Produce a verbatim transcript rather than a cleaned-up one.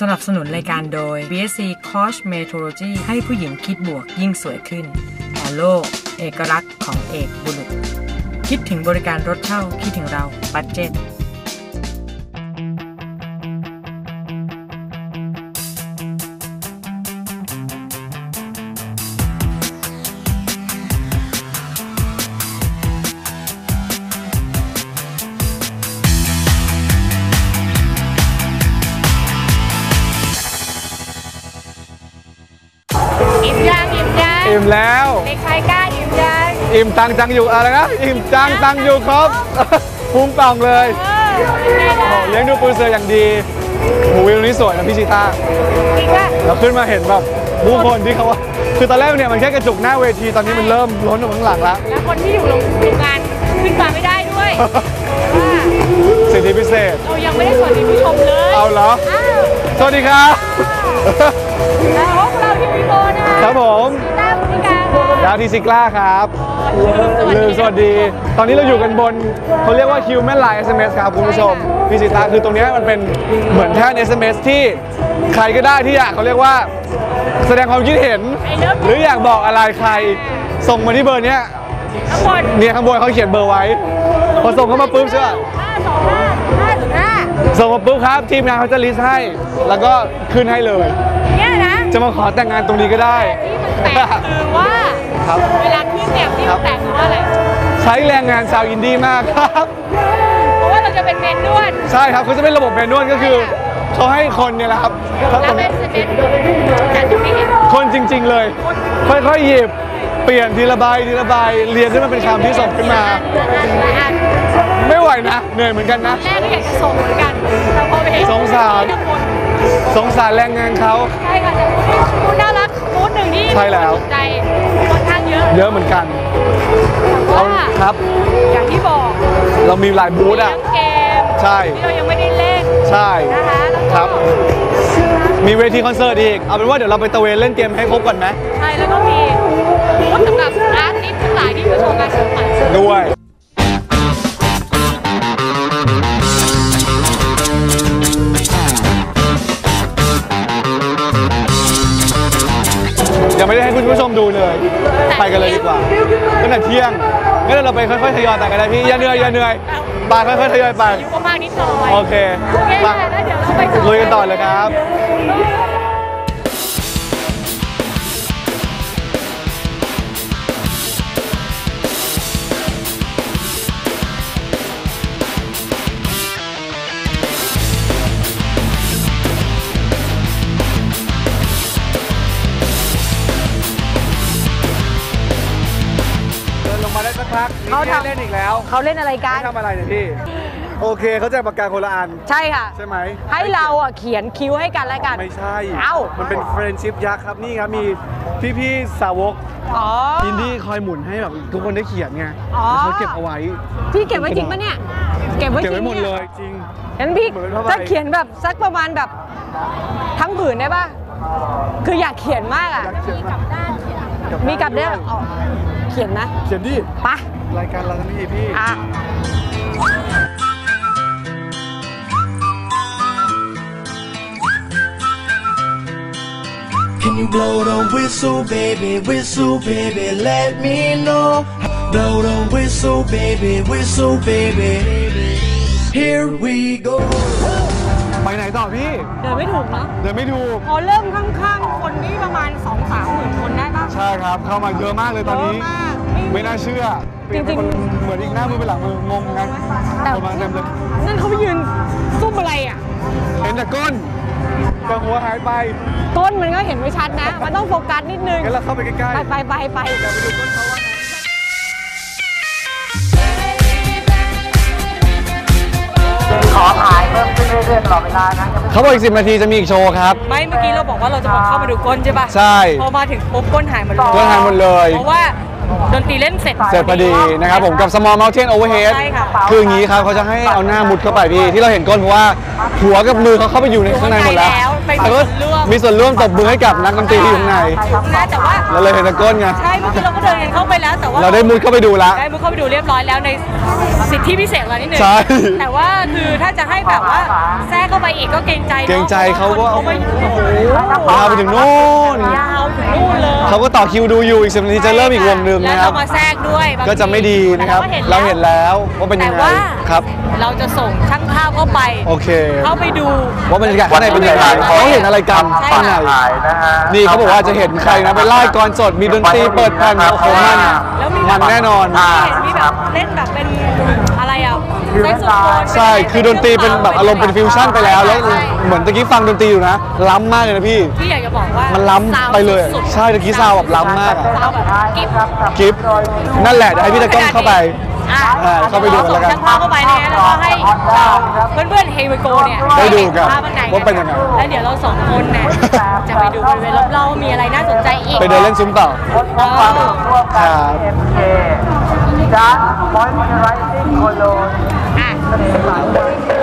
สนับสนุนรายการโดย บี เอส ซี Cosmetology ให้ผู้หญิงคิดบวกยิ่งสวยขึ้นออโลเอกลักษณ์ของเอกบุรุษคิดถึงบริการรถเช่าคิดถึงเราบัดเจ็ตอิ่มยังอิ่มยังอิ่มแล้วเด็กชายกล้าอิ่มยังอิ่มตังจังอยู่อะไรนะอิ่มจังตังอยู่ครบพุ่งป่องเลยเลี้ยงดูปูเสืออย่างดีโหวิวนี้สวยนะพี่ชิต้าจริงป่ะเราขึ้นมาเห็นแบบผู้คนที่เขาว่าคือตอนแรกเนี่ยมันแค่กระจุกหน้าเวทีตอนนี้มันเริ่มล้นออกข้างหลังแล้วแล้วคนที่อยู่โรงงานขึ้นมาไม่ได้ด้วยสิทธิพิเศษเรายังไม่ได้สวัสดีผู้ชมเลยเอาเหรอสวัสดีครับแล้วพวกเราที่วีโบนะครับผมต้าพิการดาวทีซิกล้าครับลืมสวัสดีตอนนี้เราอยู่กันบนเขาเรียกว่า Human Line เอส เอ็ม เอส ครับคุณผู้ชมพี่สิตาคือตรงนี้มันเป็นเหมือนแท่น เอส เอ็ม เอส ที่ใครก็ได้ที่อยากเขาเรียกว่าแสดงความคิดเห็นหรืออยากบอกอะไรใครส่งมาที่เบอร์นี้ข้างบนเนี่ยข้างบนเขาเขียนเบอร์ไว้พอส่งเข้ามาปุ๊บใช่ป่ะห้าสองห้าห้าห้าส่งมาปุ๊บครับทีมงานเขาจะลิสต์ให้แล้วก็ขึ้นให้เลยเนี่ยนะจะมาขอแต่งงานตรงนี้ก็ได้ที่มันแตกคือว่าเวลาขึ้นเนี่ยที่มันแตกคือว่าอะไรใช้แรงงานชาวอินดี้มากครับเพราะว่าเราจะเป็นเมนนวดใช่ครับเขาจะเป็นระบบเมนนวดก็คือเขาให้คนเนี่ยแหละครับแล้วเป็นเมนแต่จะไม่เห็นคนจริงๆเลยค่อยๆหยิบเปลี่ยนทีละใบทีละใบเรียงขึ้นมาเป็นคำที่ส่งขึ้นมาไม่ไหวนะเหนื่อยเหมือนกันนะแรกก็อยากจะส่งเหมือนกันแต่พอไปเห็นสงสารสงสารแรงงานเขาใช่ค่ะแต่มูดน่ารักมูดหนึ่งที่ใช่แล้วใจค่อนข้างเยอะเยอะเหมือนกันเอาครับอย่างที่บอกเรามีหลายบูธอ่ะเกมใช่ที่เรายังไม่ได้เล่นใช่นะคะครับมีเวทีคอนเสิร์ตอีกเอาเป็นว่าเดี๋ยวเราไปตะเวนเล่นเกมให้ครบก่อนไหมใช่แล้วก็มีบูธสำหรับอาร์ติสต์ทั้งหลายที่มาโชว์งานศิลปะด้วยยังไม่ได้ให้คุณผู้ชมดูเลยไปกันเลยดีกว่าตั้งแต่เที่ยงงั้นเราไปค่อยๆทยอยไปกันได้พี่อย่าเหนื่อยอย่าเหนื่อยไปค่อยๆทยอยไปอยู่ประมาณนิดหน่อยโอเคมาแล้วเดี๋ยวเราไปลุยกันต่อเลยครับเขาทำเล่นอีกแล้วเขาเล่นอะไรกันทำอะไรเนี่ยพี่โอเคเขาแจกปากกาคนละอันใช่ค่ะใช่ไหมให้เราอ่ะเขียนคิ้วให้กันแล้วกันไม่ใช่เอ้ามันเป็นเฟรนด์ชิพยักษ์ครับนี่ครับมีพี่ๆสาวกอินดี้คอยหมุนให้แบบทุกคนได้เขียนไงเขาเก็บเอาไว้พี่เก็บไว้จริงปะเนี่ยเก็บไว้จริงหมดเลยจริงงั้นพี่ถ้าเขียนแบบสักประมาณแบบทั้งผืนได้ป่ะคืออยากเขียนมากอ่ะมีกลับด้านเขียนนะเขียนดิปะรายการเราทั้งนี้พี่อ่ะ Can you blow the whistle baby whistle baby let me know blow the whistle baby whistle baby here we go ไปไหนต่อพี่เดินไม่ถูกเนาะเดินไม่ถูกพอเริ่มข้างๆคนนี้ประมาณ สองถึงสาม หมื่นคนได้ป่ะใช่ครับเข้ามาเยอะมากเลยตอนนี้ไม่น่าเชื่อจริงๆเหมือนอีกหน้ามือเป็นหลังมืองงกันประมาณเต็มเลยนั่นเขาไปยืนซุ่มอะไรอ่ะเห็นแต่ก้นแต่หัวหายไปก้นมันก็เห็นไม่ชัดนะมันต้องโฟกัสนิดนึงงั้นเราเข้าไปใกล้ๆไปไปไปเดี๋ยวไปดูก้นเขาว่าขอถ่ายเพิ่มขึ้นเรื่อยๆตลอดเวลานะเขาบอกอีกสิบนาทีจะมีอีกโชว์ครับไม่เมื่อกี้เราบอกว่าเราจะมาเข้ามาดูก้นใช่ป่ะใช่พอมาถึงปุ๊บก้นหายหมดเลยก้นหายหมดเลยเพราะว่าดนตรีเล่นเสร็จเสร็จพอดีนะครับผมกับ Small Mountain Overhead คืออย่างนี้ครับเขาจะให้เอาหน้ามุดเข้าไปพี่ที่เราเห็นก้นเพราะว่าหัวกับมือเขาเข้าไปอยู่ในข้างในหมดแล้วแล้วมีส่วนร่วมตบมือให้กับนักดนตรีที่อยู่ข้างในแต่ว่าเราเลยเห็นแต่ก้นไงใช่เมื่อกี้เราก็เดินกันเข้าไปแล้วแต่ว่าเราได้มุดเข้าไปดูแล้วได้มุดเข้าไปดูเรียบร้อยแล้วในสิทธิพิเศษเรานิดนึงใช่แต่ว่าคือถ้าจะให้แบบว่าแทรกเข้าไปอีกก็เกรงใจเกรงใจเขาก็เขาไม่โอ้โหยาวไปถึงนู่นยาวถึงนู่นเลยเขาก็ต่อคิวดูอยู่อีกสิบนาทีจะเริ่มอีกวงหนึ่งแล้วนะครับเรามาแทรกด้วยบางทีก็จะไม่ดีนะครับแต่เราเห็นแล้วว่าเป็นยังไงแต่ว่าครับเราจะส่งช่างภาพเข้าไปโอเคเข้าไปดูว่าบรรยากาศข้างในเป็นยังไงเขาเห็นอะไรกันใช่ข้างในนี่เขาบอกว่าจะเห็นใครนะไปไล่กรสดมีดนตรีเปิดแผ่นโอ้โหมันแล้วมีมันแน่นอนเห็นมีแบบเล่นแบบเป็นอะไรอ่ะแซกโซโฟนใช่คือดนตรีเป็นแบบอารมณ์เป็นฟิวชั่นไปแล้วแล้วใช่เหมือนตะกี้ฟังดนตรีอยู่นะล้ำมากเลยนะพี่พี่อยากจะบอกว่ามันล้ำไปเลยสุดๆใช่ตะกี้ซาวด์แบบล้ำมากอะซาวด์แบบกิ๊บกิฟต์นั่นแหละเดี๋ยวให้พี่ตะก้องเข้าไปอ่ะอ่าเข้าไปดูกันแล้วกันส่งช่างภาพเข้าไปนะแล้วก็ให้เพื่อนเพื่อนๆเฮวิโกเนี่ยได้ดูกันภาพข้างในว่าเป็นยังไงแล้วเดี๋ยวเราสองคนเนี่ยจะไปดูบริเวณรอบๆมีอะไรน่าสนใจอีกไปเดินเล่นซุ้มต่อเออครับอ่ะ